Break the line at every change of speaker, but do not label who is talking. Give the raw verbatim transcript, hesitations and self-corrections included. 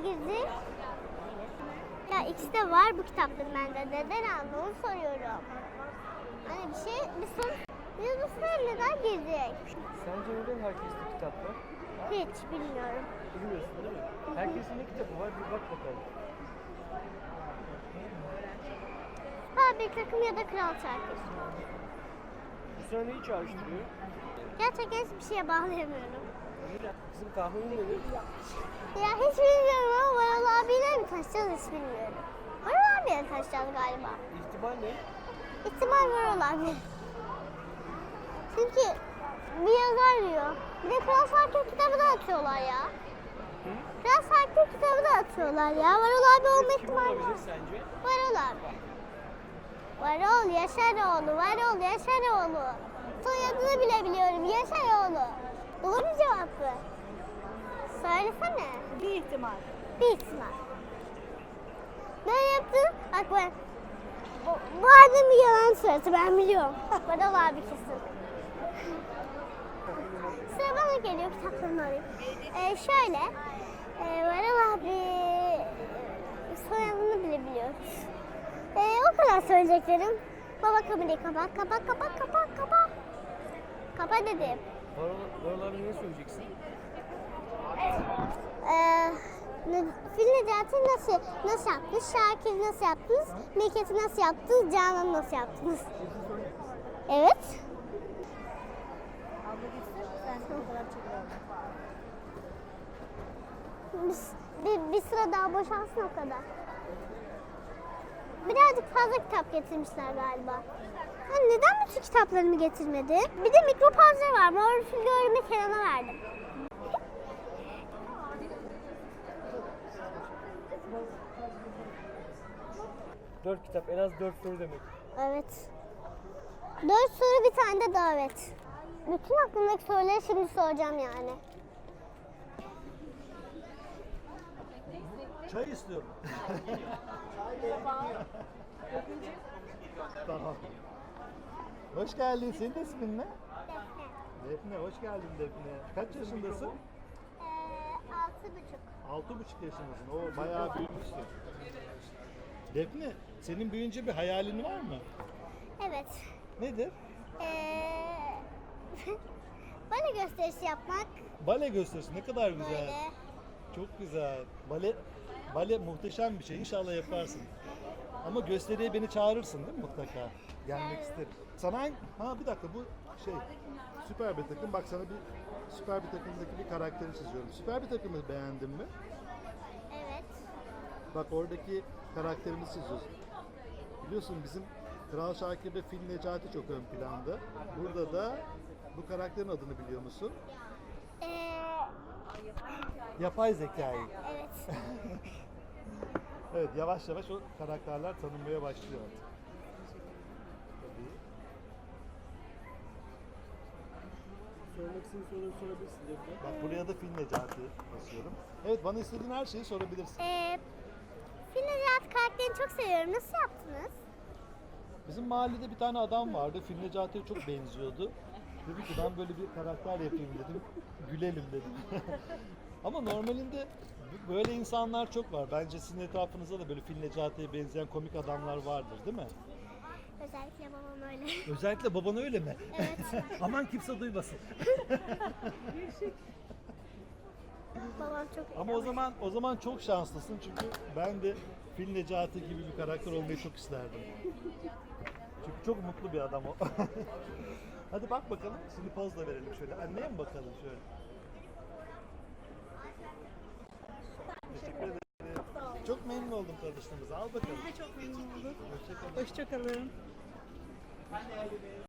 girdik? Ya ikisi de var bu kitapların bende. Neden aldın onu soruyorum. Hani bir şey, bir soru. Biz bu sıraya neden girdik?
Sence neden herkeste kitap var?
Hiç bilmiyorum.
Bilmiyorsun değil mi? Herkesin ne kitabı var? Bir bak bakalım.
Ha bir takım ya da kral şarkısı.
Bu sana neyi çağrıştırıyor?
Gerçekten hiçbir şeye bağlayamıyorum.
Bizim tahminin nedir?
Ya hiç bilmiyorum ama Varol abiyle mi taşacağız hiç bilmiyorum. Varol abiyle taşacağız galiba.
İhtimal ne?
İhtimal Varol abi. Çünkü bir yazar diyor. Bir de Kral Sarkı kitabı da atıyorlar ya.
Hı?
Kral Sarkı kitabı da atıyorlar ya. Varol abi olma
Kim
ihtimali var.
olabilir sence?
Varol abi. Varol Yaşaroğlu, Varol Yaşaroğlu. Soyadını bile biliyorum, Yaşaroğlu. Doğru cevap mı? Söylesene.
Bir ihtimal.
Bir ihtimal. Böyle yaptın. Bak ben. Bu, bu annem bir yalan söyledi ben biliyorum. Varol abi kesin. Sıra bana geliyor kitaplarını alayım. Ee, şöyle. E, Varol abi e, soyadını bile biliyoruz. Ee, o kadar söyleyeceklerim. Baba kamerayı kapat, kapat, kapat, kapat, kapat. Kapat dedim.
Varol, Varol abi ne söyleyeceksin?
Ee, ne, Fil Necati nasıl, nasıl yaptınız? Şakir nasıl yaptınız? Meket'i nasıl yaptınız? Canan nasıl yaptınız? Evet.
Abla gitsin, sen de o kadar çekiyorum.
Bir, bir, bir sıra daha boşalsın o kadar. Birazcık fazla kitap getirmişler galiba. Ha, neden bütün kitaplarımı getirmedi? Bir de mikropavze var. Mor fil görümü Kenan'a verdim.
Dört kitap, en az dört soru demek.
Evet. Dört soru bir tane de davet. Bütün aklımdaki soruları şimdi soracağım yani.
Çay istiyorum. Tamam. Hoş geldin. Senin de ismin ne? Defne. Hoş geldin Defne. Kaç yaşındasın?
Ee, altı buçuk.
Altı buçuk yaşındasın. O bayağı büyümüşsün. Defne, senin büyüyünce bir hayalin var mı?
Evet.
Nedir?
Ee, bana gösterisi yapmak.
Bale gösterisi. Ne kadar güzel.
Böyle.
Çok güzel. Bale, bale muhteşem bir şey. İnşallah yaparsın. Ama gösteriye beni çağırırsın değil mi mutlaka? Gelmek isterim. Sana hangi... Ha bir dakika bu şey süper bir takım. Bak sana bir süper bir takımdaki bir karakteri çiziyorum. Süper bir takımı beğendin mi?
Evet.
Bak oradaki karakterimizi çiziyoruz. Biliyorsun bizim Kral Şakir ve Fil Necati çok ön planda. Burada da bu karakterin adını biliyor musun?
Ee,
Yapay zekayı.
evet.
Evet, yavaş yavaş o karakterler tanınmaya başlıyor artık. Tabii.
Sormak istediğin soruları sorabilirsin Defne.
Bak buraya da Fil Necati basıyorum. Evet, bana istediğin her şeyi sorabilirsin.
Ee, Fil Necati karakterini çok seviyorum. Nasıl yaptınız?
Bizim mahallede bir tane adam vardı, Fil Necati'ye çok benziyordu. Dedim ki ben böyle bir karakter yapayım dedim, gülelim dedim. Ama normalinde böyle insanlar çok var. Bence sizin etrafınızda da böyle Fil Necati'ye benzeyen komik adamlar vardır değil mi?
Özellikle babam öyle.
Özellikle baban öyle mi?
Evet.
Aman kimse duymasın.
Babam çok
Ama o zaman o zaman çok şanslısın çünkü ben de Fil Necati gibi bir karakter olmayı çok isterdim. Çünkü çok mutlu bir adam o. Hadi bak bakalım. Şimdi poz da verelim şöyle. Anneye mi bakalım şöyle? Teşekkür ederim. Çok memnun oldum tanıştığımıza. Al bakalım.
Biz de çok memnun olduk.
Hoşça kalın.
Hoşçakalın.